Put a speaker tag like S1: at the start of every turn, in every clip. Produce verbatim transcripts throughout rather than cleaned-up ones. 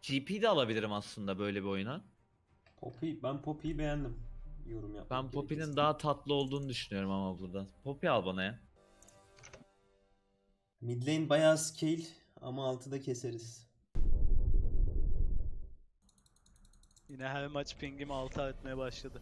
S1: G P de alabilirim aslında böyle bir oyuna.
S2: Poppy, ben Poppy'yi beğendim. Yorum yapmak
S1: Ben Poppy'nin
S2: gerekirse.
S1: daha tatlı olduğunu düşünüyorum ama burada. Poppy al bana ya.
S2: Mid lane bayağı scale ama altıda keseriz.
S3: Yine her maç pingim altı artmaya başladı.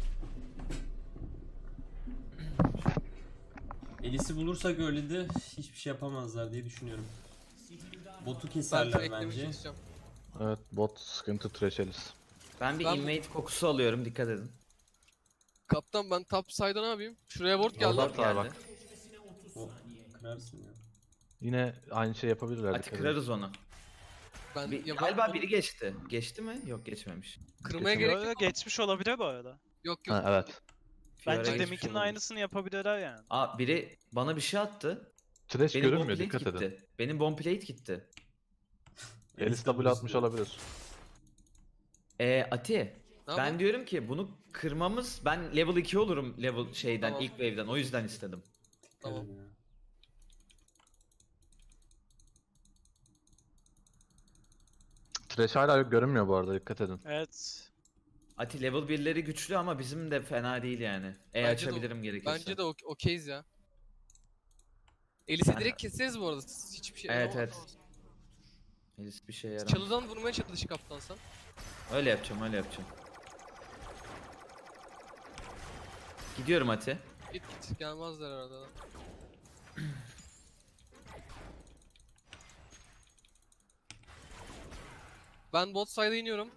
S2: Elis'i bulursak öyle de hiçbir şey yapamazlar diye düşünüyorum. Botu
S4: Ben
S2: keserler
S4: tracklemeye
S2: bence.
S4: çalışacağım.
S5: Evet, bot sıkıntı, Thresh.
S1: Ben bir
S4: Ben-
S1: invade kokusu alıyorum, dikkat edin.
S4: Kaptan ben top side'a ne yapayım? Şuraya ward geldi.
S5: Ward var bak.
S2: O kırarsın ya.
S5: Yine aynı şey yapabilirler.
S1: Hadi
S5: dikkat edin.
S1: kırarız onu.
S4: Ben
S1: Bir,
S4: ya ben
S1: galiba
S4: onu
S1: biri geçti. Geçti mi? Yok, geçmemiş.
S4: kırmaya
S5: Geçemez.
S4: gerek
S3: Böyle
S4: yok.
S3: geçmiş olabilir bu arada.
S4: Yok yok.
S5: Ha, evet.
S1: Fiora
S3: Bence
S1: geçmiş
S3: deminkinin
S1: olabilir.
S3: aynısını yapabilirler yani.
S1: Aa, biri bana bir şey attı.
S5: Thresh
S1: Benim bomb
S5: görünmüyor,
S1: plate
S5: dikkat edin.
S1: gitti. Benim bomb plate gitti.
S5: Elis W atmış olabilir.
S1: Ee, Ati.
S4: Ne
S1: Ben
S4: yapalım?
S1: diyorum ki bunu kırmamız, ben level iki olurum level şeyden,
S4: Tamam.
S1: ilk wave'den, o yüzden istedim.
S4: Tamam.
S5: Thresh hala görünmüyor bu arada, dikkat edin.
S3: Evet.
S1: Ati level birleri güçlü ama bizim de fena değil yani. E
S4: Bence de-
S1: açabilirim gerekirse.
S4: Bence de ok- okeyiz ya. Elis'i
S1: Ben-
S4: direkt keseriz bu arada. Hiçbir şey
S1: Evet,
S4: ama-
S1: evet. Elis bir şey yaramaz.
S4: Çalıdan vurmaya çalış kaptan sen.
S1: Öyle yapacağım, öyle yapacağım. Gidiyorum Ati.
S4: Git git gelmezler arada. Ben bot side'a iniyorum.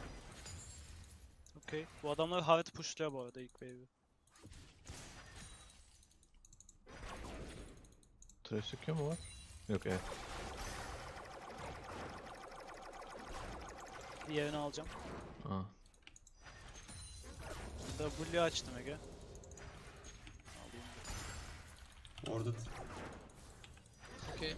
S3: Okey. Bu adamlar hard pushluyor bu arada ilk wave'i.
S5: Thresh çıkıyor mu var? Yok, evet.
S3: Diğerini alacağım.
S5: Ha.
S3: W açtım Ege. Alayım.
S2: Orada
S4: Okey.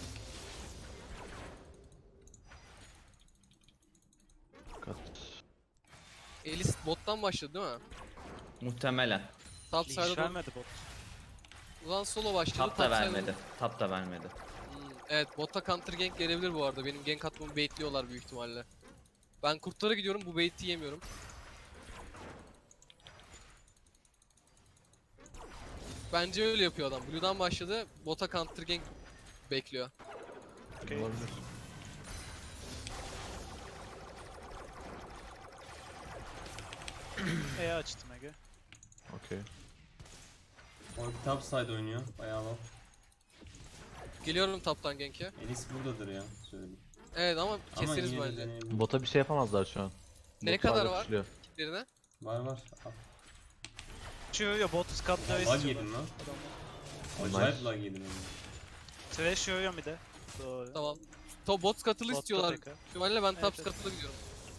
S5: Dikkat.
S4: Elis bottan başladı değil mi?
S1: Muhtemelen.
S4: Top
S3: Leash
S4: side'a doğru.
S3: vermedi bot.
S4: Ulan solo başladı.
S1: Tap da
S4: top side'a
S1: vermedi.
S4: doğru.
S1: Tap da vermedi.
S4: Hmm, evet botta counter gank gelebilir bu arada. Benim gank atmamı baitliyorlar büyük ihtimalle. Ben kurtlara gidiyorum, bu bait'i yemiyorum. Bence öyle yapıyor adam. Blue'dan başladı, bota counter gank bekliyor.
S3: Okey.
S5: Olabilir.
S3: E açtım Ege.
S5: Okey.
S2: orada top side oynuyor. Bayağı low.
S4: Geliyorum top'tan gank'e.
S2: Elis buradadır ya söyleyeyim.
S4: Evet ama
S2: Ama
S4: keseriz
S2: yine de
S4: bence.
S2: deneyebiliriz.
S5: Bota bir şey yapamazlar şu an.
S4: Ne
S5: Bot
S4: kadar
S5: hala
S4: var?
S5: pushluyor.
S4: Birine.
S2: Var var.
S3: Çığırıyor bot skatları
S2: Lag
S3: istiyorlar.
S2: yedim lan.
S3: Adamlar.
S2: Acayip
S5: Nice.
S2: lag yedim. yani.
S3: Trash yoruyor bir de. Doğru.
S4: Tamam. Top bot skatılı
S3: Botta
S4: istiyorlar.
S3: tekrar.
S4: Büyük ihtimalle ben top
S3: Evet, evet.
S4: skatılı gidiyorum.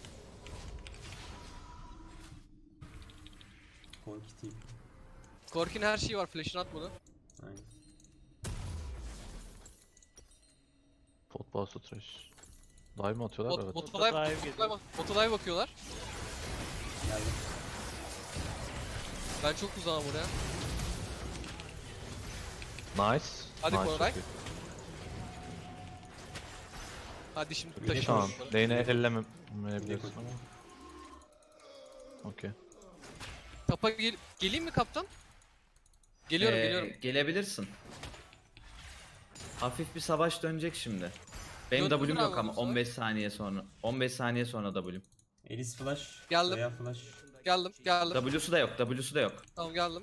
S2: Korkutayım.
S4: Korkin her şeyi var, flash'ını atmadı.
S2: Aynen.
S5: Pot bastı Thresh. Dive mi atıyorlar?
S4: Bot,
S5: Evet.
S4: bota
S3: Botta
S4: dive,
S3: dive
S4: bota
S3: geliyor.
S4: dive, bota dive bakıyorlar.
S2: Geldim.
S4: Ben çok uzağım buraya.
S5: Nice.
S4: Hadi
S5: nice,
S4: Koray.
S5: çok iyi.
S4: Hadi şimdi
S2: Bir de
S4: taşı
S5: Tamam.
S4: bunları.
S5: Lane'e
S2: Bir de
S5: ellemeyebilirsin
S2: koş.
S5: ama. Okey.
S4: Tapa gel geleyim mi kaptan? Geliyorum
S1: Ee,
S4: geliyorum.
S1: Gelebilirsin. Hafif bir savaş dönecek şimdi. Benim
S4: Döndü
S1: W'm
S4: mü
S1: yok
S4: abi
S1: ama
S4: bu
S1: on beş saniye sonra. on beş saniye sonra W'm.
S2: Elis flash.
S4: Geldim.
S2: Veya flash.
S4: Geldim geldim.
S1: W'su da yok, W'su da yok.
S4: Tamam geldim.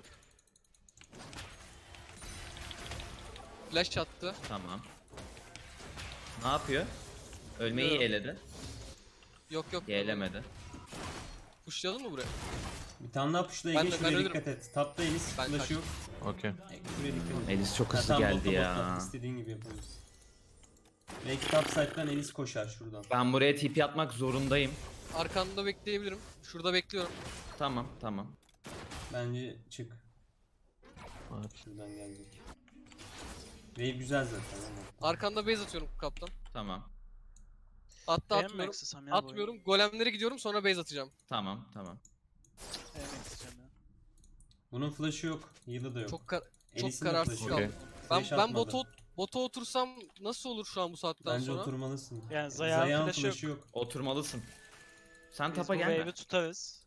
S4: Flash attı.
S1: Tamam. Ne yapıyor? Ölmeyi
S4: Bilmiyorum.
S1: eledi.
S4: Yok yok.
S1: Yelemedi.
S4: Pushlayalım mı buraya?
S2: Bir tane daha pushla
S4: Ben
S2: Ege
S4: de-
S2: şuraya
S4: ben ölürüm.
S2: dikkat et. Tapta Elis
S4: Ben
S2: flash
S4: kaçtım.
S2: yok.
S5: Okey.
S2: Şuraya dikkat et.
S1: Elis çok
S2: Ha,
S1: hızlı
S2: tamam,
S1: geldi
S2: botta,
S1: ya.
S2: botta. İstediğin gibi yapabiliriz. Belki top side'dan Elis koşar şuradan.
S1: Ben buraya T P atmak zorundayım.
S4: Arkanda bekleyebilirim. Şurada bekliyorum.
S1: Tamam, tamam.
S2: Bence çık.
S5: Evet.
S2: Şuradan gelecek. Wave güzel zaten ama.
S4: Arkanda base atıyorum kaptan.
S1: Tamam.
S4: Hatta
S3: Beğenmek
S4: atmıyorum.
S3: istesem ya bu oyunu.
S4: Atmıyorum. Golemlere gidiyorum sonra base atacağım.
S1: Tamam, tamam.
S3: Beğenmek isteyeceğim ya.
S2: Bunun flash'ı yok. Heal'ı da yok.
S4: Çok kar çok
S2: Elis'in de
S4: kararsız
S2: flash'ı
S4: kaldım.
S2: yok.
S5: Okey.
S4: Ben
S2: Flash
S4: ben
S2: atmadı.
S4: botu Bota otursam nasıl olur şu an bu saatten
S2: Bence
S4: sonra?
S2: oturmalısın.
S3: Yani Zayan
S2: Zayan
S3: flash'ı
S2: flash'ı
S3: yok.
S2: yok.
S1: Oturmalısın. Sen
S3: Biz
S1: tapa
S3: bu
S1: gelme.
S3: wave'i tutarız.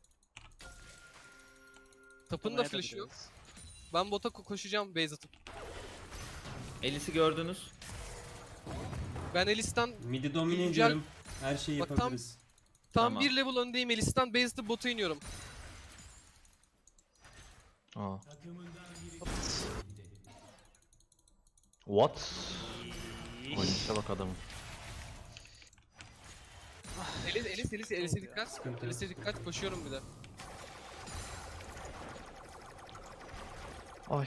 S4: Tapın da
S3: Tutmaya
S4: flash'ı yok.
S3: biliriz.
S4: Ben bota ko- koşacağım base atıp.
S1: Elis'i gördünüz.
S4: Ben Elis'ten
S2: Midi domine
S4: Güncel-
S2: ediyorum. Her şeyi
S4: Bak tam-
S2: yapabiliriz.
S4: tam
S1: Tamam.
S4: bir level öndeyim. Elis'ten base atıp bota iniyorum.
S5: Aa.
S3: Hops.
S5: What? Oynayışa bak adamın.
S4: Elis, Elis, Elis, Elis'e dikkat.
S2: Sıkıntı yok.
S4: Elis'e dikkat. Koşuyorum bir de.
S5: Ay.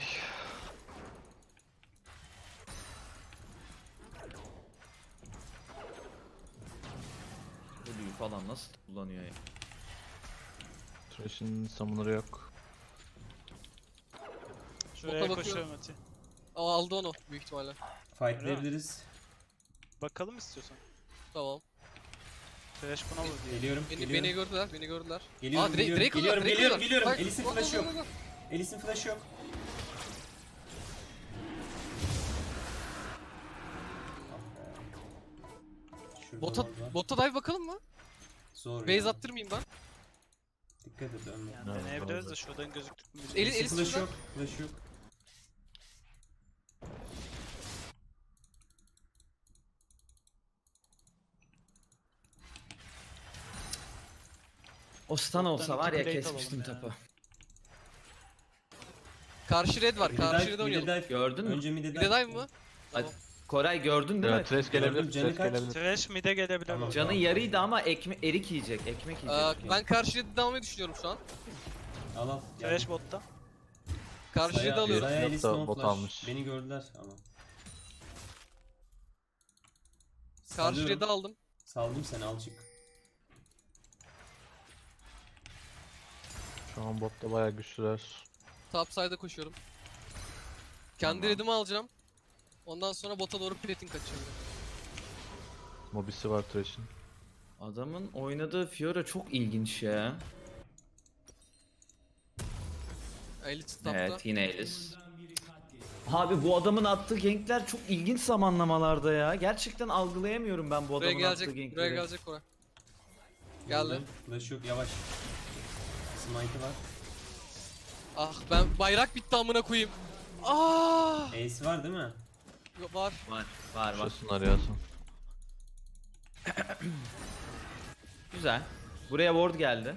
S1: Blue'yu falan nasıl kullanıyor ya?
S5: Thresh'in summoner'ı yok.
S3: Şuraya
S4: Bota
S3: koşuyorum Ati.
S4: Aa, aldı onu büyük ihtimalle.
S2: Fightlayabiliriz.
S3: Bakalım istiyorsan.
S4: Tamam.
S3: Flash buna vur diye.
S2: Geliyorum,
S4: Beni,
S2: geliyorum.
S4: beni gördüler, beni gördüler.
S2: Geliyorum,
S4: Aa, Drake,
S2: geliyorum,
S4: Drake
S2: geliyorum,
S4: aldılar, Drake
S2: geliyorum,
S4: aldılar.
S2: geliyorum.
S4: Bak,
S2: Elis'in
S4: go, go,
S2: flash'ı
S4: go,
S2: yok.
S4: go, go.
S2: Elis'in flash'ı yok. Şurada
S4: Bota,
S2: ward var.
S4: bota dive bakalım mı?
S2: Zor
S4: Base
S2: ya.
S4: attırmayayım ben.
S2: Dikkat et ölme.
S3: Yani
S5: Evet,
S3: deneyebiliriz
S5: doğru.
S3: de şuradan gözüktük mü?
S4: Eli-
S2: Elis'in
S4: Elis
S2: flash'ı
S4: şurada.
S2: yok. Flash'ı yok.
S1: O stun olsa var ya
S3: plate
S1: kesmiştim
S3: alalım ya.
S1: tapa.
S4: Karşı red var,
S2: Midi
S4: karşı
S2: dive,
S4: red
S2: midi
S4: oynayalım.
S2: dive.
S1: Gördün mü?
S2: Önce midi
S4: Bir
S2: dive.
S4: de dive mı?
S1: Hadi.
S4: Tamam.
S1: Koray gördün değil mi?
S5: Evet, Thresh gelebilir.
S2: Gördüm, canı
S5: Thresh
S2: kaç?
S5: gelebilir.
S3: Trash mid'e gelebilir.
S2: Tamam.
S3: bu.
S1: Canı yarıydı ama ekme erik yiyecek, ekmek
S4: Aa,
S1: yiyecek.
S4: ben karşı red'i de almayı düşünüyorum şu an.
S2: Al al.
S3: Trash botta.
S4: Karşı red'i
S2: Zaya-
S4: alıyorum.
S2: Zaya
S5: Yok
S2: Elis
S5: da
S2: no
S5: bot
S2: flash.
S5: almış.
S2: Beni gördüler ama.
S4: Karşı
S2: Salıyorum.
S4: red'i aldım.
S2: Saldım seni, al çık.
S5: Şu an botta bayağı güçlüler.
S4: Top side'a koşuyorum. Kendi
S1: Tamam.
S4: red'imi alacağım. Ondan sonra bota doğru plating kaçıyorum.
S5: Mobisi var Thresh'in.
S1: Adamın oynadığı Fiora çok ilginç ya.
S4: Elis tapta.
S1: Evet yine Elis. Abi bu adamın attığı gankler çok ilginç zamanlamalarda ya. Gerçekten algılayamıyorum ben bu
S4: Buraya
S1: adamın
S4: gelecek,
S1: attığı
S4: buraya
S1: gankleri.
S4: gelecek Koray. Geldi.
S2: Gördüm. Flash yok, yavaş. Smite'ı var.
S4: Ah, ben bayrak bitti amına koyayım. Ah!
S2: Ace var değil mi?
S4: Var.
S1: Var var var.
S5: Şurasın arayasın.
S1: Güzel. Buraya ward geldi.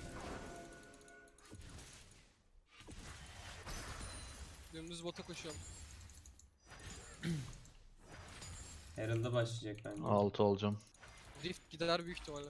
S4: Dümdüz bota koşuyorum.
S2: Herald'a başlayacak bence.
S5: altı olacağım.
S4: Rift gider büyük ihtimalle.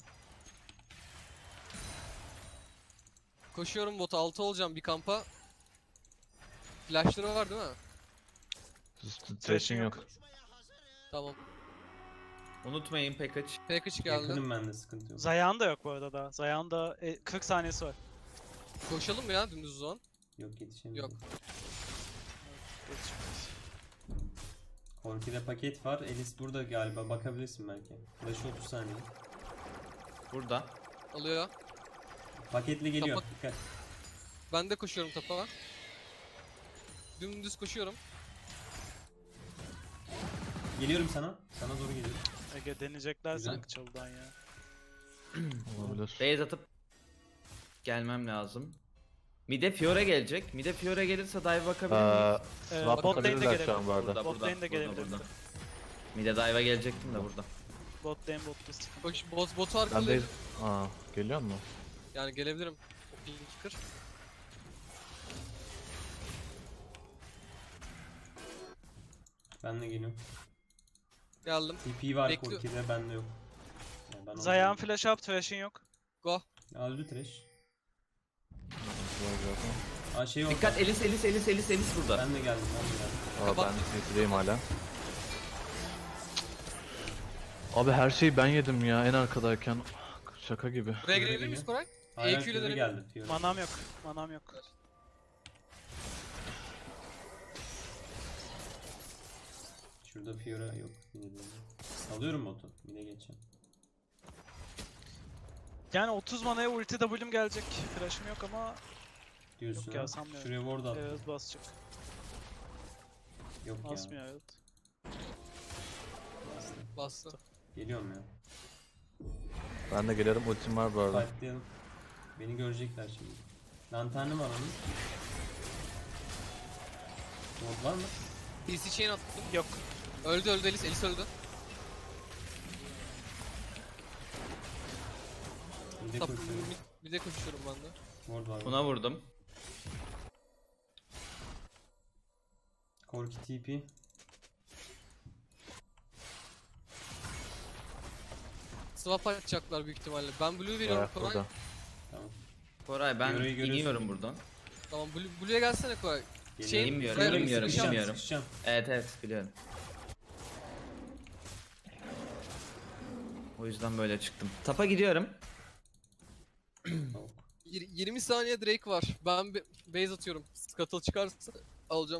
S4: Koşuyorum bota, altı olacağım bir kampa. Flashları var değil mi?
S5: Thresh'in yok.
S4: Tamam.
S1: Unutmayın package.
S4: Package geldi.
S2: Yakınım ben de, sıkıntı yok.
S3: Zayan da yok bu arada da. Zayan da e, kırk saniyesi var.
S4: Koşalım mı ya dümdüz o zaman?
S2: Yok, yetişemiyorum.
S4: Yok.
S3: Yetişmez.
S2: Korki'de paket var. Elis burada galiba, bakabilirsin belki. Flash otuz saniye.
S1: Burada.
S4: Alıyor.
S2: Paketle geliyor.
S4: Kapat.
S2: Dikkat.
S4: Ben de koşuyorum tapa. Dümdüz koşuyorum.
S2: Geliyorum sana. Sana doğru geliyorum.
S3: Ege deneyecekler
S2: Güzel.
S3: sanki çalıdan ya.
S5: Olabilir.
S1: Base atıp gelmem lazım. Mide Fiora gelecek. Mide Fiora gelirse dive bakabilir miyim?
S5: Eee
S3: Ee,
S5: swap
S3: bot lane'de
S5: atabilirler şu
S3: gelebilir.
S5: an bu arada.
S1: Burada,
S3: Bot
S1: burada,
S3: lane de
S1: burada,
S3: gelebilir.
S1: burada. Mide dive'a gelecektim de burada.
S3: Bot lane bot list.
S4: Koş, bot, botu
S5: Ben de...
S4: arkalıyorum.
S5: Aa, geliyor mu?
S4: Yani gelebilirim. O pinki kır.
S2: Ben de geliyorum.
S4: Geldim.
S2: T P var
S4: Bekliyor.
S2: Korki'de, bende yok. Yani ben
S3: Zayan
S2: onu-
S3: flash up, Thresh'in yok.
S4: Go.
S2: Ya, öldü Thresh.
S5: Var zaten.
S2: Aa şey orada.
S1: Dikkat Elis Elis Elis Elis Elis burada.
S2: Ben de geldim, ben de geldim.
S5: Aa,
S4: Kapat.
S5: ben City'deyim hala. Abi her şeyi ben yedim ya en arkadayken. Şaka gibi.
S4: Buraya girebilir miyiz Koray?
S2: Hala
S4: E Q ile
S2: Fiora
S4: dönelim.
S2: geldi. Fiora.
S3: Manam yok. Manam yok.
S2: Şurada Fiora yok. Yine de. Salıyorum botu. Yine geçeceğim.
S3: Yani otuz manaya ulti W'm gelecek. Flash'ım yok ama
S2: Diyorsun
S3: Yok ya,
S2: ha.
S3: sanmıyorum.
S2: Şuraya ward at.
S3: evet basacak.
S2: Yok ya.
S3: Basmıyor evet.
S2: Bastı.
S4: Bastı.
S2: Geliyorum ya.
S5: Ben de gelirim, ultim var bu arada.
S2: Fightlayalım. Beni görecekler şimdi. Lanternim var onun. Ward var mı?
S4: D C chain attım.
S3: Yok.
S4: Öldü öldü Elis. Elis öldü.
S2: Bir de
S4: Tap,
S2: koşuyorum.
S4: bir, bir de koşuyorum ben de.
S2: Ward var.
S1: Buna vurdum.
S2: Korki T P.
S4: Swap atacaklar büyük ihtimalle. Ben blue veriyorum
S5: Ayak
S4: Koray.
S5: burada.
S2: Tamam.
S1: Koray ben
S2: Yoruyu görüyorsun.
S1: iniyorum buradan.
S4: Tamam blue, blue'ya gelsene Koray.
S2: Geliyorum.
S1: inmiyorum,
S4: Koray,
S1: inmiyorum,
S4: sıkışacağım,
S1: inmiyorum.
S2: Sıkışacağım.
S1: Evet evet biliyorum. O yüzden böyle çıktım. Tapa gidiyorum.
S2: Tavuk.
S4: Yir- yirmi saniye Drake var. Ben be- base atıyorum. Scuttle çıkarsa alacağım.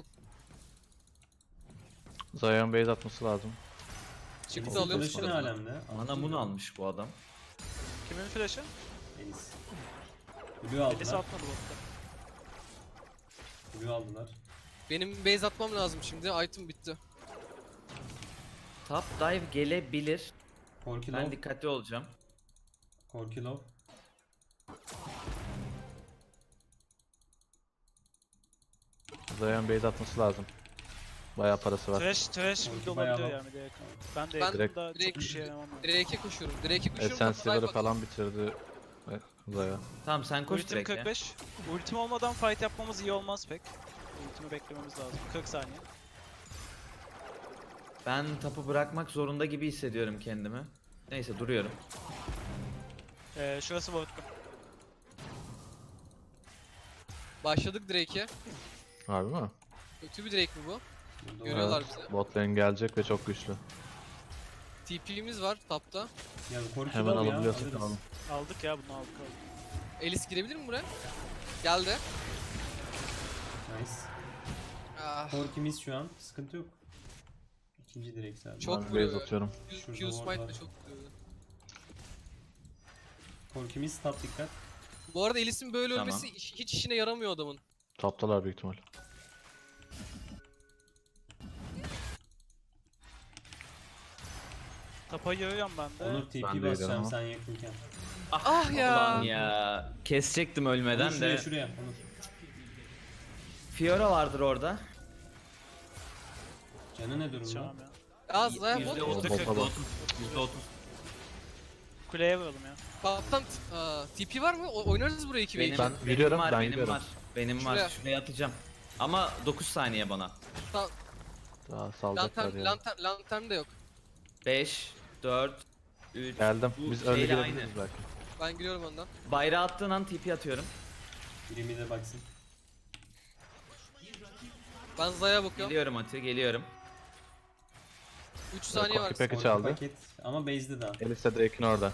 S5: Zayan base atması lazım.
S4: Çıktı
S2: Elis'in
S4: alıyorum
S2: flash'ı ne
S4: Scuttle'ı.
S2: alemde?
S1: Bana bunu almış bu adam.
S3: Kimin flash'ı?
S2: Elis. Blue
S3: Birisi
S2: aldılar.
S3: atmadı botta.
S2: Blue aldılar.
S4: Benim base atmam lazım şimdi. Item bitti.
S1: Top dive gelebilir.
S2: Korki
S1: Ben
S2: low.
S1: dikkatli olacağım.
S2: Korki low.
S5: Zayan base atması lazım. Bayağı parası var.
S3: Trash, trash
S2: Korki
S3: mid
S2: bayağı
S3: olabiliyor
S2: low.
S3: yani direkt. Ben de
S4: Ben
S3: yakında
S4: direkt-
S3: çok işe yaramam. yani.
S4: Drake'e koşuyorum. Drake'e koşuyorum.
S5: Essence'ları
S4: Dive
S5: falan bitirdi Zaya.
S1: Tamam sen koş
S3: Ultim
S1: direkt ya.
S3: kırk beş. Ultim olmadan fight yapmamız iyi olmaz pek. Ultimi beklememiz lazım. kırk saniye.
S1: Ben tapu bırakmak zorunda gibi hissediyorum kendimi. Neyse duruyorum.
S3: Ee, şurası ward'lu.
S4: Başladık Drake'e.
S5: Harbi mi?
S4: Kötü bir Drake mi bu?
S2: Burada
S4: Görüyorlar
S2: var.
S4: bizi.
S5: Bot lane gelecek ve çok güçlü.
S4: T P'miz var tapta.
S2: Ya Korki
S5: Hemen
S2: low ya.
S5: alabiliyorsak
S2: alırız.
S5: alalım.
S3: Aldık ya bunu aldık aldık.
S4: Elis girebilir mi buraya? Geldi.
S2: Nice.
S4: Ah,
S2: Korkimiz şu an. Sıkıntı yok. İkinci direkt sadece.
S4: Çok
S5: Ben
S4: vuruyor.
S5: base atıyorum.
S4: Q,
S2: Şurada
S4: Q
S2: ward
S4: smite
S2: var.
S4: de çok vuruyor.
S2: Korkimiz top dikkat.
S4: Bu arada Elis'in böyle
S1: Tamam.
S4: ölmesi hiç, hiç işine yaramıyor adamın.
S5: Toptalar büyük ihtimal.
S3: Tapa yürüyorum ben de.
S2: Onur T
S5: Ben
S2: P
S5: de
S2: basacağım
S5: ama.
S2: sen yakınken.
S4: Ah ya.
S1: Ulan ya. Kesecektim
S2: Onur
S1: ölmeden
S2: şuraya
S1: de.
S2: şuraya. Onur.
S1: Fiora vardır orada.
S2: Canı ne durumda?
S3: Çağım ya.
S4: Az Zaya
S1: Yüzde
S4: bot.
S1: otuz,
S5: Bota
S1: yüzde
S5: bak.
S1: otuz, yüzde otuz.
S3: Kuleye vuralım ya.
S4: Kaptan aa, T P var mı? O- oynarız burayı iki ve
S1: Benim,
S4: iki.
S5: Ben
S1: benim
S5: yürüyorum,
S1: var,
S5: ben
S1: benim
S5: yürüyorum.
S1: var. Benim
S4: Şuraya.
S1: var. Şuraya atacağım. Ama dokuz saniye bana.
S5: Daha salacaklar
S4: Lantern,
S5: ya.
S4: lantern, lantern de yok.
S1: beş, dört, üç.
S5: Geldim.
S1: Bu
S5: Biz önde
S1: şeyle
S5: girebiliriz
S1: aynı.
S5: belki.
S4: Ben giriyorum önden.
S1: Bayrağı attığın an T P atıyorum.
S2: Birimi de baksın.
S4: Ben Zaya bakıyorum.
S1: Geliyorum Ati, geliyorum.
S4: üç saniye var.
S5: Korki Pack'i
S2: Korki
S5: çaldı.
S2: paket. Ama base'de daha.
S5: Elis de Drake'in orada.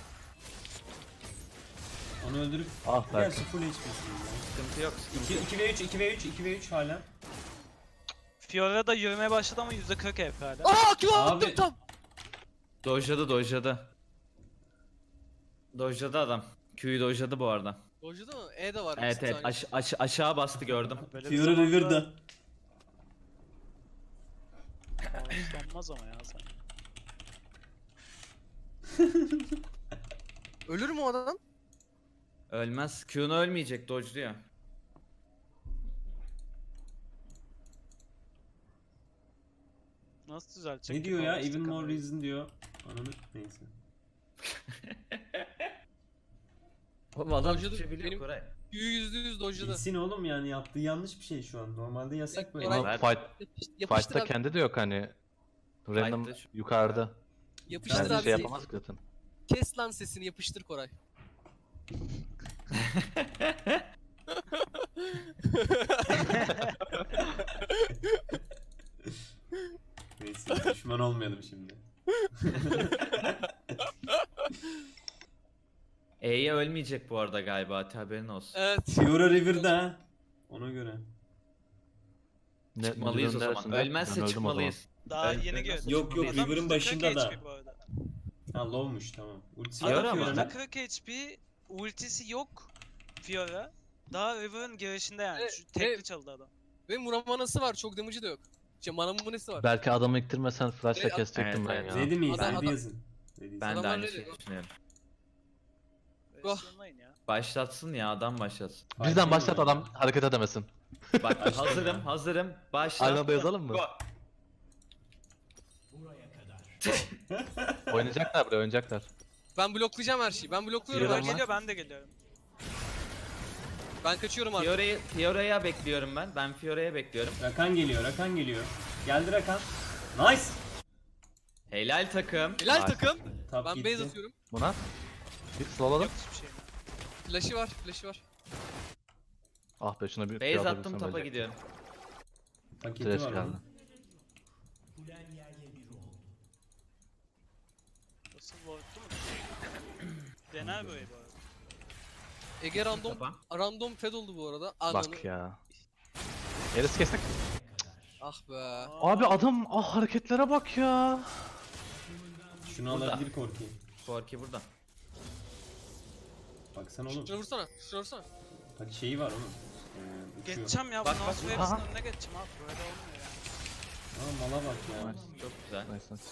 S2: Onu öldürüp
S5: Ah
S2: gerçi
S5: Berk.
S2: full H P'sin ya.
S1: Sıkıntı yok, sıkıntı yok.
S2: iki ve üç, iki ve üç, iki ve üç hala.
S3: Fiora da yürümeye başladı ama yüzde kırk H P hala.
S4: Aa Q
S2: Abi-
S4: attım tam.
S1: Dojladı, dojladı. Dojladı adam. Q'yu dojladı bu arada.
S4: Dojladı mı? E de var.
S1: Evet
S4: bir
S1: evet
S4: saniye.
S1: aş- aş- aşağı bastı gördüm.
S3: Böyle bir
S2: Fiora
S3: zamanda
S2: River'da.
S3: Olmaz ama ya sen.
S4: Ölür mü o adam?
S1: Ölmez. Q'nu ölmeyecek, dojluyor.
S3: Nasıl düzeltecek?
S2: Ne
S3: ki
S2: diyor ya?
S3: Power
S2: Even more
S3: Stick'ı?
S2: reason diyor. Ananı neyse.
S1: Oğlum adam
S4: Dojladı,
S1: Türkçe biliyor
S4: benim-
S1: Koray.
S4: Q'yu yüzde yüz dojladı.
S2: Bilsin oğlum yani yaptığı yanlış bir şey şu an. Normalde yasak böyle.
S4: Koray-
S5: Ama
S1: Ver.
S5: fight,
S4: Yapış- Yapıştır
S5: fight'ta
S4: abi.
S5: kendi de yok hani. Random
S1: Fight'ta şu-
S5: yukarıda.
S4: Yapıştır
S5: Yani
S4: abi.
S5: şey yapamaz ki zaten.
S4: Kes lan sesini yapıştır Koray.
S2: Neyse düşman olmayalım şimdi.
S1: E'ye ölmeyecek bu arada galiba, Ati, haberin olsun.
S4: Evet.
S2: Fiora River'da ha. Ona göre.
S5: Ne,
S1: Çıkmalıyız o
S5: müdürün
S1: zaman.
S5: neresinde?
S1: Ölmezse
S5: Ben öldüm o zaman.
S1: çıkmalıyız.
S3: Daha
S1: Ben-
S3: yeni
S1: ben-
S3: gördüm.
S2: Yok, yok,
S3: Adam
S2: River'ın
S3: yüzde kırk
S2: başında da.
S3: H P bu arada.
S2: Ha low'muş tamam. Ultisi
S1: Fiora
S2: yok
S1: mı?
S2: Fiora'nın.
S3: yüzde kırk H P, ultisi yok Fiora. Daha River'ın girişinde yani.
S4: Evet,
S3: Şu tekli
S4: evet.
S3: çaldı adam.
S4: Ve Muramanası var. Çok damage'ı da yok. gideceğim. Manamın nesi var?
S5: Belki adamı iktirmesen flash'la
S4: Evet,
S5: kesecektim
S1: evet,
S5: ben
S1: evet.
S5: ya.
S2: Ready miyiz?
S4: Adam-
S2: Ready
S4: adam-
S2: yazın. Ready.
S1: Ben de
S4: Adamlar
S1: aynı
S4: ready.
S1: şeyi düşünüyorum.
S4: Oh.
S3: Versiyonlayın ya.
S1: Başlatsın ya, adam başlatsın.
S5: Bizden başlat adam hareket edemesin.
S1: Bak
S2: Başla
S1: hazırım
S2: ya.
S1: hazırım. Başla.
S5: Aynı anda yazalım mı?
S1: Go.
S5: Oynayacaklar buraya oynayacaklar.
S4: Ben bloklayacağım her şeyi. Ben blokluyorum
S5: Yürü
S4: her
S5: lan.
S4: şeyi.
S3: Geliyor ben de geliyorum.
S4: Ben kaçıyorum artık.
S1: Fiora'yı Fiora'ya bekliyorum ben. Ben Fiora'ya bekliyorum.
S2: Rakan geliyor, Rakan geliyor. Geldi Rakan. Nice.
S1: Helal takım.
S4: Hilal
S5: Bak.
S4: takım.
S2: Top
S4: Ben
S2: gitti.
S4: base atıyorum.
S5: Buna. Bir slowladım.
S3: Yok hiçbir şey.
S4: Flash'ı var, flash'ı var.
S5: Ah be şuna bir
S1: Base
S5: kıyafet
S1: attım,
S5: bilsem
S1: tapa
S5: ölecek.
S1: gidiyorum.
S2: Paketi
S5: Trash
S2: var
S5: geldi.
S2: onun.
S3: Nasıl boyutlu mu? Dener böyle bu arada.
S4: Ege random,
S1: Tapa.
S4: random fed oldu bu arada. Ananı.
S5: Bak ya. Eris kestik.
S4: Ah be.
S5: Abi adam ah hareketlere bak ya.
S2: Şunu
S1: Burada.
S2: alabilir Korki.
S1: Forky burada.
S2: Baksana oğlum.
S4: Şuna vursana, şuna vursana.
S2: Bak şeyi var onun. Ee, uçuyor.
S3: Geçeceğim ya.
S1: Bak,
S3: Bu
S1: bak,
S3: North
S1: bak.
S3: Waves'in
S5: Aha.
S3: önüne geçeceğim abi. Böyle olmuyor ya.
S2: Aa, mala bak ya.
S1: Nice, çok güzel.
S5: Nice nice.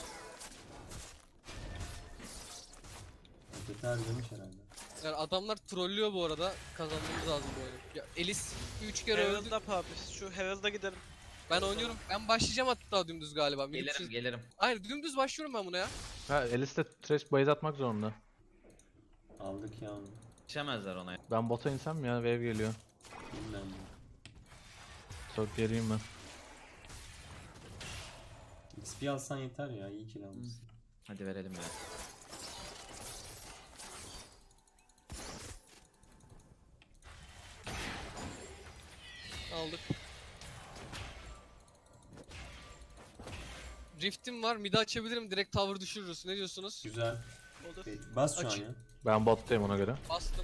S2: Paketi harcamış herhalde.
S4: Yani adamlar trollüyor bu arada. Kazanmamız lazım bu oyunu. Ya Elis üç kere öldü.
S3: Herald'a abi. Şu Herald'a gidelim.
S4: Ben oynuyorum. Ben başlayacağım hatta dümdüz galiba. Benim
S1: Gelirim
S4: şey-
S1: gelirim.
S4: Hayır dümdüz başlıyorum ben buna ya.
S5: Ha Elis de trash base atmak zorunda.
S2: Aldık ya onu.
S1: Yetişemezler ona.
S5: Ben bota insem mi ya wave geliyor.
S2: Bilmem ne.
S5: Çok geriyim ben.
S2: X P alsan yeter ya. İyi kill almışsın.
S1: Hadi verelim ya.
S4: Aldık. Rift'im var. Mid'i açabilirim. Direkt tower düşürürüz. Ne diyorsunuz?
S2: Güzel.
S3: Olur.
S2: Ee, Bas şu an
S4: Aç.
S2: ya.
S5: Ben bottayım ona göre.
S4: Bastım.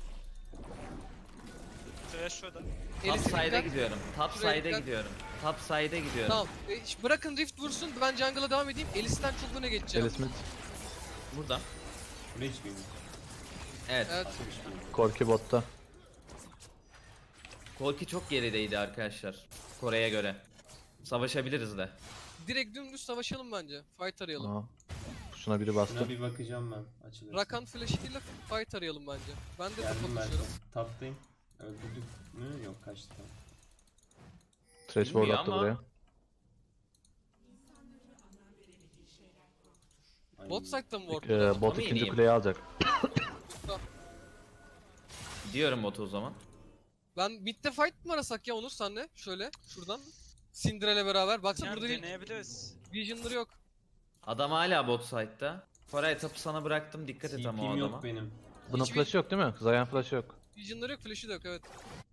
S3: Trash şurada.
S1: Top
S4: Elis'e
S1: side'e
S4: dikkat.
S1: gidiyorum. Top
S4: Şuraya
S1: side'e
S4: dikkat.
S1: gidiyorum. Top side'e gidiyorum.
S4: Tamam. E, ş- bırakın Rift vursun. Ben jungle'a devam edeyim. Elis'ten çok öne geçeceğim.
S5: Elis mid.
S1: Burada.
S2: Buraya hiç bilmiyorum.
S1: Evet.
S4: Evet.
S2: Atmış bilmiyorum.
S5: Korki botta.
S1: Korki çok gerideydi arkadaşlar. Kore'ye göre. Savaşabiliriz de.
S4: Direkt dümdüz savaşalım bence. Fight arayalım.
S5: Aha. Şuna biri bastı.
S2: Şuna bir bakacağım ben. Açılırsa.
S4: Rakan flash'ıyla fight arayalım bence. Ben de
S2: Geldim
S4: topa
S2: ben.
S4: koşuyorum.
S2: Taptayım. Öldürdük mü? Yok kaçtı. Tamam.
S5: Trash ward
S1: Bilmiyor
S5: attı
S1: ama-
S5: buraya.
S2: Ay,
S4: Bot side'da mı ward?
S5: Ee, bot
S1: Ama
S5: ikinci
S1: yeniyim.
S5: kuleyi alacak.
S1: Diyorum botu o zaman.
S4: Ben mid'de fight mı arasak ya Onur senle? Şöyle şuradan. Cinderella beraber. Baksana
S3: Yani
S4: burada bir
S3: deneyebiliriz.
S4: vision'ları yok.
S1: Adam hala bot side'da. Koray tapı sana bıraktım, dikkat et ama o
S2: T P'm
S1: adama.
S2: yok benim.
S5: Bunun
S4: Hiçbir-
S5: flash'ı yok değil mi? Zayan flash'ı yok.
S4: Vision'ları yok, flash'ı da yok evet.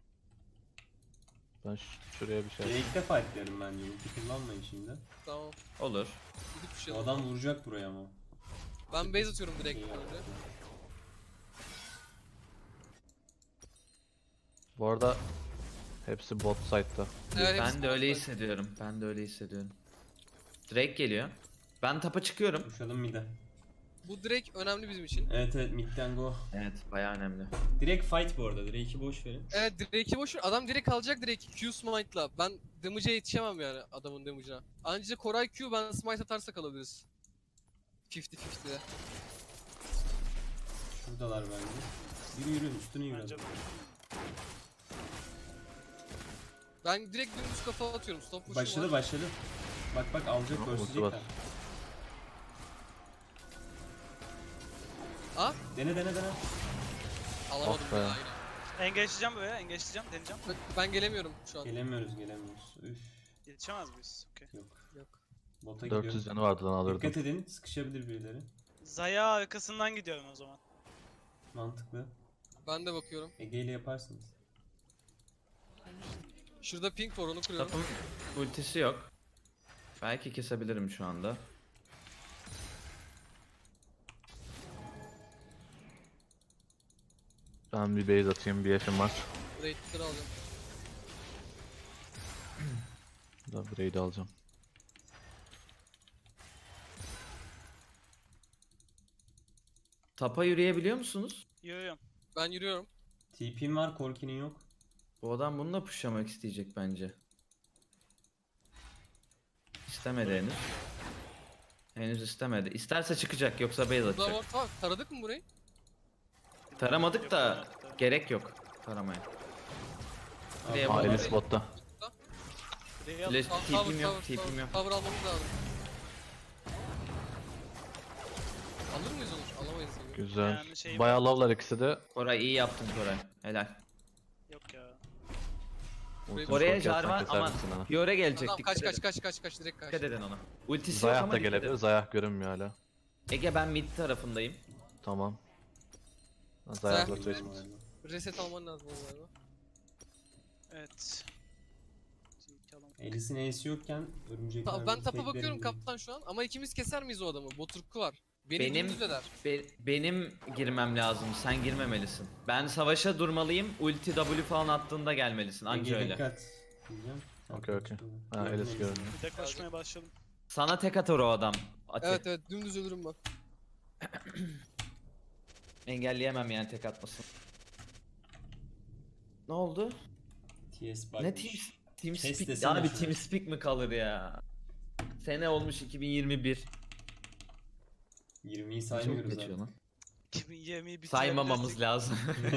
S5: Ben ş- şuraya bir şey.
S2: Gerekte fightlarım bence. Ulti kullanmayın şimdi.
S4: Tamam.
S1: Olur.
S4: Gidip bir şey
S2: Bu
S4: alalım.
S2: adam vuracak buraya ama.
S4: Ben base atıyorum direkt
S2: İyi
S4: önce.
S2: yaptı.
S5: Bu arada hepsi bot side'da.
S4: Evet, hepsi
S1: Ben de öyle
S4: bot side.
S1: hissediyorum. Ben de öyle hissediyorum. Drake geliyor. Ben tapa çıkıyorum.
S2: Koşalım mid'e.
S4: Bu direkt önemli bizim için.
S2: Evet evet mid'den go.
S1: Evet, bayağı önemli.
S2: Direkt fight bu arada. Drake'i boş verin.
S4: Evet Drake'i boş ver. Adam direkt alacak direkt Q smite'la. Ben damage'e yetişemem yani adamın damage'ına. Anca Koray Q ben smite atarsak alabiliriz. elli elli'de.
S2: Şuradalar bence. Yürü yürü üstüne yürü.
S3: Bence
S4: Ben direkt dümdüz kafa atıyorum. Stop push'um
S2: Başladı
S4: var.
S2: başladı. Bak bak alacak
S5: Ulti var.
S2: görsecekler.
S4: Aa
S2: Dene dene dene.
S4: alamadım
S5: Ah be.
S4: ya yine.
S3: engage'leyeceğim buraya. Engage'leyeceğim. Deneyeceğim.
S4: Ben, ben gelemiyorum şu an.
S2: Gelemiyoruz gelemiyoruz. Üf
S3: Yetişemez miyiz? Okey.
S2: yok.
S4: Yok.
S2: Bota
S5: dört yüz
S2: gidiyorum.
S5: canı vardı lan alırdım.
S2: Dikkat edin sıkışabilir birileri.
S3: Zaya arkasından gidiyorum o zaman.
S2: Mantıklı.
S4: Ben de bakıyorum.
S2: Ege ile yaparsınız.
S4: Şurada pink var onu kırıyorum.
S1: Tapın ultisi yok. Belki kesebilirim şu anda.
S5: Ben bir base atayım, bir yaşım var.
S4: Raid'leri alacağım.
S5: Da raid alacağım.
S1: Tapa yürüyebiliyor musunuz?
S3: Yürüyorum.
S4: Ben yürüyorum.
S2: T P'm var Korki'nin yok.
S1: Bu adam bununla pushlamak isteyecek bence. İstemedi henüz. Henüz istemedi. İsterse çıkacak yoksa base
S4: Burada
S1: atacak.
S4: var. Tamam taradık mı burayı?
S1: Taramadık da gerek yok taramaya. Buraya
S5: Aa
S1: bak.
S5: Elis botta.
S1: Flash
S4: Tower,
S1: tipim
S4: tower,
S1: yok,
S4: tower,
S1: tipim yok.
S4: Tower almamız lazım. Alır mıyız onu? Alamayız sanırım.
S5: Güzel.
S3: Yani şey-
S5: Bayağı lavlar ikisi de.
S1: Koray iyi yaptın Koray. Helal.
S3: Yok ya.
S5: Ultimi
S1: Oraya
S5: korkuyorsan
S1: jar var
S5: keser
S1: ama
S5: misin ha?
S1: Fiore gelecek.
S4: Tamam
S1: Dikkat
S4: kaç kaç
S1: edin.
S4: kaç kaç kaç direkt kaç.
S1: Dikkat edin ona. Ultisi yok
S5: Zayah
S1: ama
S5: da
S1: dikkat
S5: gelebilir.
S1: edin.
S5: Zayah görünmüyor hala.
S1: Ege ben mid tarafındayım.
S5: Tamam. Zayah'la
S4: Zayah.
S5: Trace mid.
S4: Reset alman lazım o galiba.
S3: Evet. Bizimki alalım.
S2: Elis'in E'si yokken örümcekler...
S4: Ta- ben tapa
S2: teklerim
S4: bakıyorum
S2: diye.
S4: kaptan şu an ama ikimiz keser miyiz o adamı? Boturku var. Beni
S1: Benim-
S4: dümdüz eder.
S1: Be- benim girmem lazım. Sen girmemelisin. Ben savaşa durmalıyım. Ulti W falan attığında gelmelisin. Anca
S2: Ege
S1: öyle.
S2: dikkat. Diyeceğim. Sen
S5: Okey, okey.
S2: kaçtın.
S5: Ha,
S2: Gördüm
S5: Elis
S2: Elis'i.
S5: gördüm.
S3: Bir de koşmaya başladım.
S1: Sana tek atar o adam. Ati.
S4: Evet evet dümdüz ölürüm ben.
S1: Engelleyemem yani tek atmasın. Ne oldu?
S2: T S
S1: Ne
S2: bakmış.
S1: team team
S2: Test
S1: speak?
S2: desene
S1: Abi
S2: şunu.
S1: team speak mi kalır ya? Sene olmuş iki bin yirmi bir.
S2: yirmiyi
S1: Çok
S2: saymıyoruz
S1: geçiyor
S2: zaten.
S1: lan.
S3: iki bin yirmiyi
S1: Saymamamız lazım.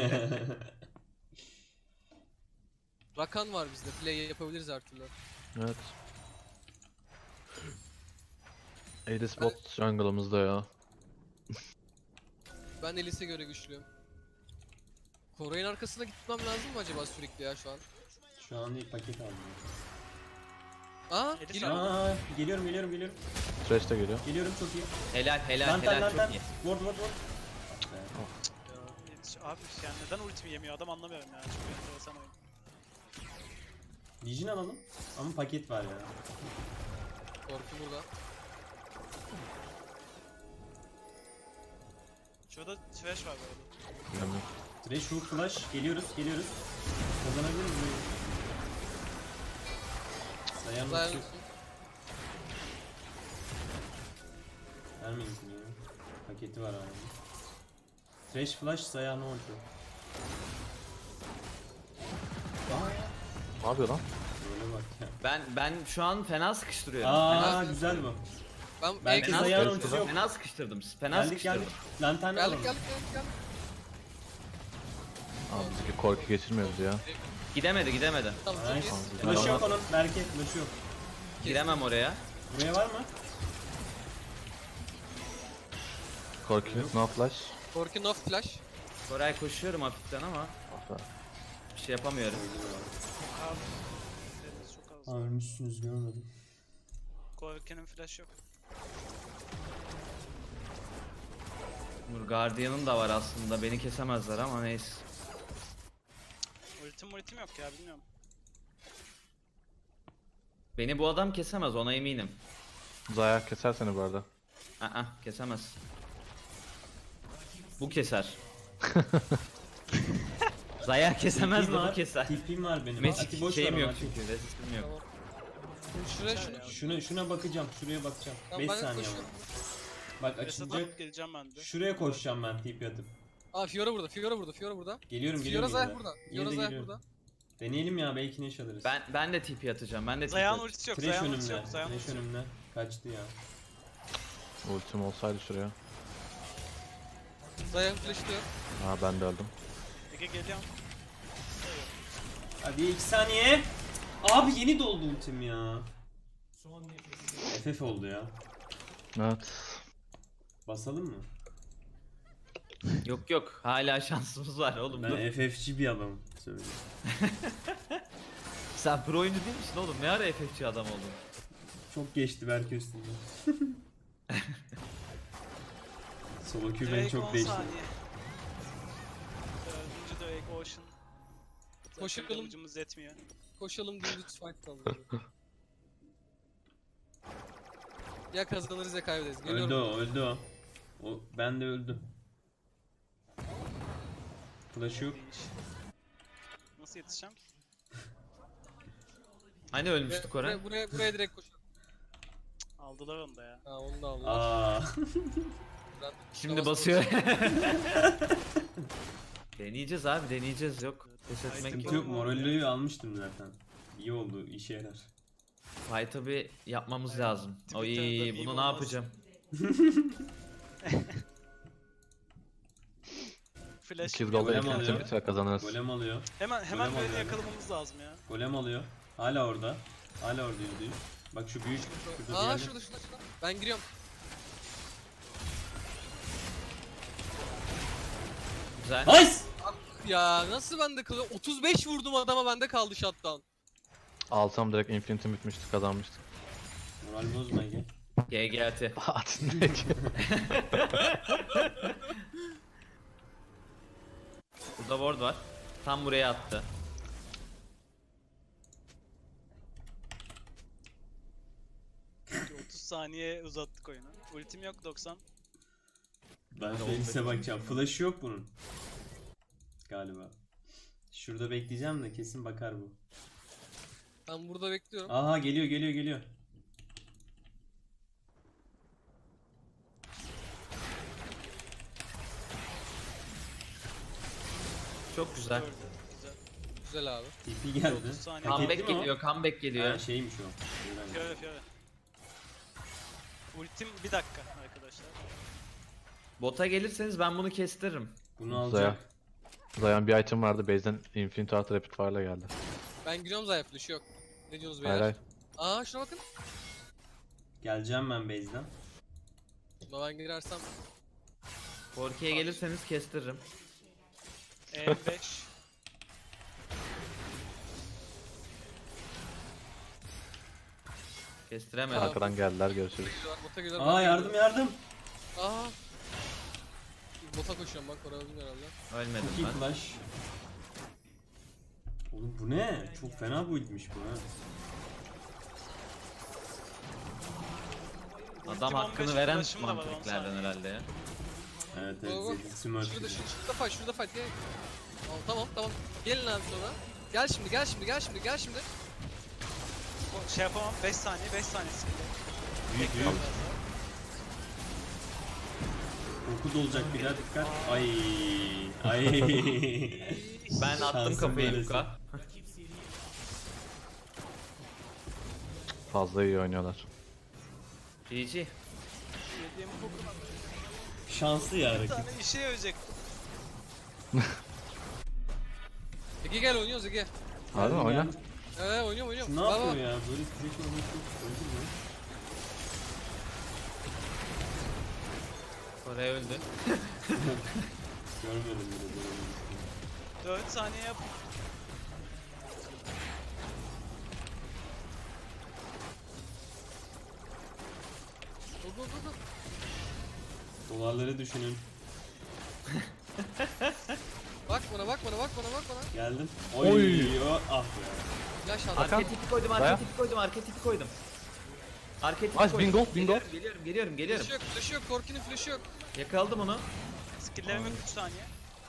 S4: Rakan var bizde. Play yapabiliriz her türlü.
S5: Evet. Elis bot jungle'ımızda ya.
S4: Ben Elis'e göre güçlüyüm. Koray'ın arkasına gitmem lazım mı acaba sürekli ya şu an?
S2: Şu an değil paket aldım.
S4: Aa
S3: Elis
S4: geliyor.
S2: Aa, geliyorum geliyorum geliyorum.
S5: Trace de geliyor.
S2: Geliyorum çok iyi.
S1: helal helal
S2: Lantan
S1: helal
S2: lantan.
S1: çok iyi.
S2: Ward ward ward.
S3: Yetiş- Abi yani neden ultimi yemiyor adam anlamıyorum ya. Çok enteresan oyun.
S2: Legion alalım. Ama paket var ya.
S4: Korku burada.
S3: Şurada trash var bu arada.
S5: Bilmiyorum.
S2: Thresh hook flash. Geliyoruz geliyoruz. Kazanabiliriz burayı. Dayan
S4: Dayan.
S2: yok. Vermeyin ki ya. Paketi var abi. Thresh flash Zaya ne oldu?
S5: Ne yapıyor lan?
S2: Böyle bak ya.
S1: Ben ben şu an fena sıkıştırıyorum.
S2: Aa
S1: Fena,
S2: güzel bu.
S4: Ben
S2: Belki
S4: Belki
S2: Zaya'nın
S1: fena,
S2: ultisi yok.
S1: fena sıkıştırdım. Fena
S2: Geldik
S1: sıkıştırdım.
S2: geldik. Lantern
S4: Geldik
S2: alalım.
S4: geldik geldik geldik.
S5: Abi bizimki korku geçirmiyoruz ya.
S1: Gidemedi gidemedi.
S4: Tamam çok
S2: Nice.
S4: iyi.
S2: Flash yok onun. Berke flash yok.
S1: Giremem oraya.
S2: Buraya var mı?
S5: Korku no flash.
S4: Korku no flash.
S1: Koray koşuyorum hafiften ama
S5: Aferin.
S1: bir şey yapamıyorum.
S3: Abi. Deniz çok az.
S2: Aa ölmüşsünüz görmedim.
S3: Korken'in flash yok.
S1: Nur Guardian'ın da var aslında. Beni kesemezler ama neyse.
S3: Ultim ultim yok ya bilmiyorum.
S1: Beni bu adam kesemez ona eminim.
S5: Zayah keser seni bu arada.
S1: Aa kesemez. Bu keser. Zaya kesemez de
S2: Tipim
S1: bu
S2: var,
S1: keser.
S2: Tipim var benim.
S1: Magic
S2: Ati boş
S1: şeyim
S2: ver
S1: yok
S2: onu,
S1: çünkü. Resistim yok.
S4: Tamam. Şuraya şunu.
S3: Ya.
S2: Şuna şuna bakacağım. Şuraya bakacağım.
S4: Tamam
S2: beş
S4: ben de
S2: saniye var.
S4: koşuyorum.
S2: Bak
S3: Reset
S2: açınca
S3: alıp geleceğim ben de.
S2: şuraya koşacağım ben tip atıp.
S4: Aa Fiora burada. Fiora burada. Fiora burada.
S2: Geliyorum
S4: Fiora
S2: geliyorum.
S4: Zayah
S2: yine de.
S4: burada.
S2: Yine
S4: Fiora
S2: de
S4: Zayah
S2: geliyorum.
S4: burada.
S2: Deneyelim ya belki neş alırız.
S1: Ben ben de T P atacağım. Ben de T P
S3: Zayağın
S1: atacağım.
S3: ultisi yok.
S2: Trash
S3: Zayağın ultisi
S2: önümde.
S3: yok. Zayağın
S2: Trash
S3: ultisi yok.
S2: önümde. Kaçtı ya.
S5: Ultim olsaydı şuraya.
S4: Zayah'ın flash'ı diyor.
S5: Ha ben de öldüm.
S3: Ege geliyorum.
S2: Hadi iki saniye. Abi yeni doldu ultim ya. F F oldu ya.
S5: Evet.
S2: Basalım mı?
S1: Yok yok. Hala şansımız var oğlum. dur.
S2: Ben F F'ci bir adamım. Söyleyeyim.
S1: Sen pro oyuncu değil misin oğlum? Ne ara F F C adam oldun?
S2: Çok geçti Berke üstünde. Solo Q beni
S3: Drake
S2: çok
S3: on
S2: değişti.
S3: saniye. Dördüncü Drake Ocean. Zaten
S4: Koşalım.
S3: kılıcımız yetmiyor.
S4: Koşalım dümdüz fight kaldı. Ya kazanırız ya kaybederiz. Geliyorum.
S2: Öldü o, öldü o. O ben de öldüm. Flash yok.
S3: İyi iş. Nasıl yetişeceğim?
S1: Hani
S4: Buraya,
S1: ölmüştük Koray?
S4: buraya, buraya, buraya direkt koşalım.
S3: Aldılar onu da ya.
S4: Ha onu da aldılar.
S2: Aa.
S4: Ben-
S1: Şimdi
S4: Yavaş
S1: basıyor. Deneyeceğiz abi deneyeceğiz yok. Pes etmek
S2: Sıkıntı
S1: yok.
S2: yok, Morello'yu almıştım zaten. İyi oldu, işe yarar.
S1: Fight'ı bir yapmamız lazım.
S3: Twitter'da
S1: Oy
S3: meme
S1: bunu ne
S3: olmaz.
S1: yapacağım?
S3: Flash.
S5: iki
S3: bir
S5: dolar
S2: Golem
S5: infinitim
S2: alıyor.
S5: biter kazanırız.
S2: Golem alıyor.
S3: Hemen hemen
S2: Golem
S3: böyle
S2: alıyor.
S3: yakalamamız lazım ya.
S2: Golem alıyor. Hala orada. Hala orada yüzde yüz. Bak şu büyük. Şurada
S4: Aa
S2: diğerleri.
S4: şurada şurada şurada. Ben giriyorum.
S1: Güzel.
S2: Nice!
S4: Ya nasıl bende kalıyor? otuz beş vurdum adama, bende kaldı shutdown.
S5: Alsam direkt infinitim bitmişti, kazanmıştık.
S2: Moral bozma Ege.
S1: G G T.
S5: Atın direkt.
S1: Burada ward var. Tam buraya attı.
S3: otuz saniye uzattık oyunu. Ultim yok doksan.
S2: Ben Felix'e bakacağım. Flash'ı yok bunun. Galiba. Şurada bekleyeceğim de kesin bakar bu.
S4: Ben burada bekliyorum.
S2: Aha geliyor geliyor geliyor.
S1: Çok güzel.
S3: Gördü. Güzel.
S4: Güzel abi.
S2: T P geldi.
S3: otuz saniye.
S2: Hak etti
S1: Comeback
S2: mi o?
S1: geliyor, comeback geliyor.
S2: Ha, şeymiş o.
S3: Fiora Fiora. Ultim bir dakika arkadaşlar.
S1: Bota gelirseniz ben bunu kestiririm.
S2: Bunu
S5: Zaya.
S2: alacak.
S5: Zayan bir item vardı, base'den infinite artı rapid fire'la geldi.
S4: Ben giriyorum Zaya, flash yok. Ne diyorsunuz
S5: Hayır
S4: beyler?
S5: hayır.
S4: Aa şuna bakın.
S2: Geleceğim ben base'den.
S4: Buna ben girersem.
S1: Korki'ye gelirseniz kestiririm.
S3: E beş.
S1: Kestiremedim.
S4: Aa.
S5: Arkadan geldiler, görüşürüz.
S4: Geliyorlar, bota geliyorlar.
S2: Aa
S4: bota
S2: yardım
S4: geliyorlar.
S2: yardım.
S4: Aa. Bota koşuyorum bak, oraya öldüm herhalde.
S1: Ölmedim
S2: Çok iyi
S1: ben.
S2: flash. Oğlum bu ne? Çok fena build'miş bu ha.
S1: Adam
S3: Ultim on beş,
S1: hakkını veren
S3: flash'ım da var, on
S1: mantıklardan
S3: saniye.
S1: herhalde ya.
S2: Evet
S4: Go, go.
S2: evet Zed'in smurf
S4: Şurada
S2: gibi.
S4: şurada, şurada fight, şurada fight. Gel. Tamam tamam tamam. Gelin abi sonra. Gel şimdi, gel şimdi, gel şimdi, gel şimdi.
S3: O- Şey yapamam. beş saniye, beş saniye skill'de.
S2: Büyük büyük. Korku dolacak bir daha dikkat. Ay ay.
S1: Ben attım
S2: Şansın
S1: kafayı
S2: böylesi.
S1: Luka.
S5: Fazla iyi oynuyorlar.
S1: G G.
S3: Yediğim bu
S2: Şanslı ya
S3: bir
S2: rakip.
S3: tane işe yarayacak.
S4: Ege gel, oynuyoruz Ege.
S5: Harbi mi?
S2: Geldim,
S5: Oyna.
S2: geldim.
S4: Ee oynuyorum oynuyorum.
S2: Ne
S4: Bak,
S2: yapıyor
S4: bak.
S2: ya? Böyle sürekli oynuyor. Öldü mü?
S1: Koray öldü.
S2: Görmedim bile böyle.
S3: dört saniye yap.
S4: Go go go go.
S2: Dolarları düşünün.
S4: Bak bana, bak bana, bak bana, bak bana.
S2: Geldim. Oy.
S5: Oy.
S2: o- Ah be.
S4: Flash at.
S1: Arka tipi koydum, arka
S5: Baya.
S1: tipi koydum, arka tipi koydum. Arka tipi
S5: Nice,
S1: koydum.
S5: bingo, bingo.
S1: Geliyorum, geliyorum, geliyorum, geliyorum.
S4: Flash yok, flash yok. Korki'nin flash'ı yok.
S1: Yakaladım onu.
S3: Skill'lerim yok üç saniye.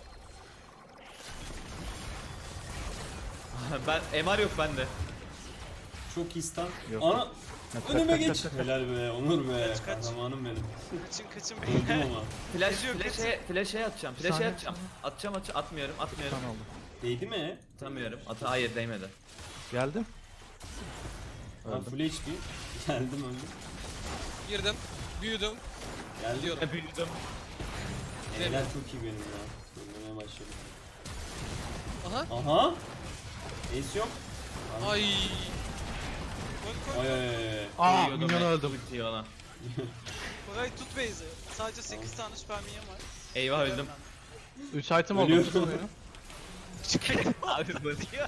S1: ben M R yok bende.
S2: Çok iyi stun.
S5: Yok.
S2: Ana.
S5: Kaç,
S2: Önüme
S5: kaç,
S2: geç.
S5: kaç, kaç.
S2: Helal be. Onur be.
S3: Kaç, kaç.
S2: Kahramanım benim.
S3: Kaçın kaçın
S2: Öldüm
S3: beyler.
S2: ama.
S1: Flash,
S3: Kaçıyor,
S1: flash'e, flash'e atacağım, flash'e
S5: Saniye.
S1: atacağım. Atacağım, atacağım, atmıyorum, atmıyorum.
S5: Tamam oldu.
S2: Değdi mi?
S1: Atamıyorum. Ata hayır değmedi.
S5: Geldim.
S2: Ha, full H P. Geldim öldüm.
S4: Girdim. Büyüdüm.
S2: Geldim.
S4: Gidiyorum.
S1: Büyüdüm.
S2: Helal çok iyi benim ya. Ölmeye başladım.
S4: Aha.
S2: Aha. Ace yok.
S4: Ay.
S3: Koy koy.
S2: Ay ay ay, ay.
S5: Aa,
S1: Koyuyordum
S5: minyon
S1: ben
S5: öldüm.
S1: ultiyi ona.
S3: Koray tut base'i. Sadece sekiz tane süper minyon var.
S1: Eyvah öldüm.
S5: üç item oldu.
S2: Ölüyorum.
S5: Tutun oyunu.
S1: Abi zıplıyor.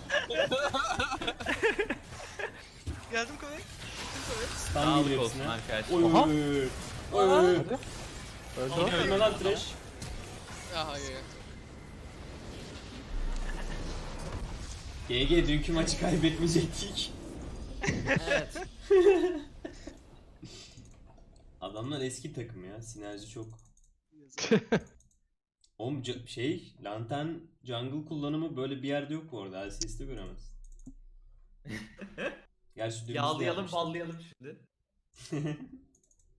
S3: Geldim Koray.
S2: Stun
S1: Sağlık
S2: geliyor
S1: olsun
S2: hepsine.
S1: arkadaşlar.
S2: Oy
S5: Oha.
S2: oy oy. Oy oy.
S5: Öldü o.
S2: Ölme lan trash.
S4: Aha Ege.
S2: G G dünkü maçı kaybetmeyecektik.
S1: Evet.
S2: Adamlar eski takım ya. Sinerji çok. Oğlum ca- şey, lantern jungle kullanımı böyle bir yerde yok bu arada. L C S'te göremez. Gerçi dümdüz de
S1: Yağlayalım,
S2: yapmışlar.
S1: ballayalım şimdi.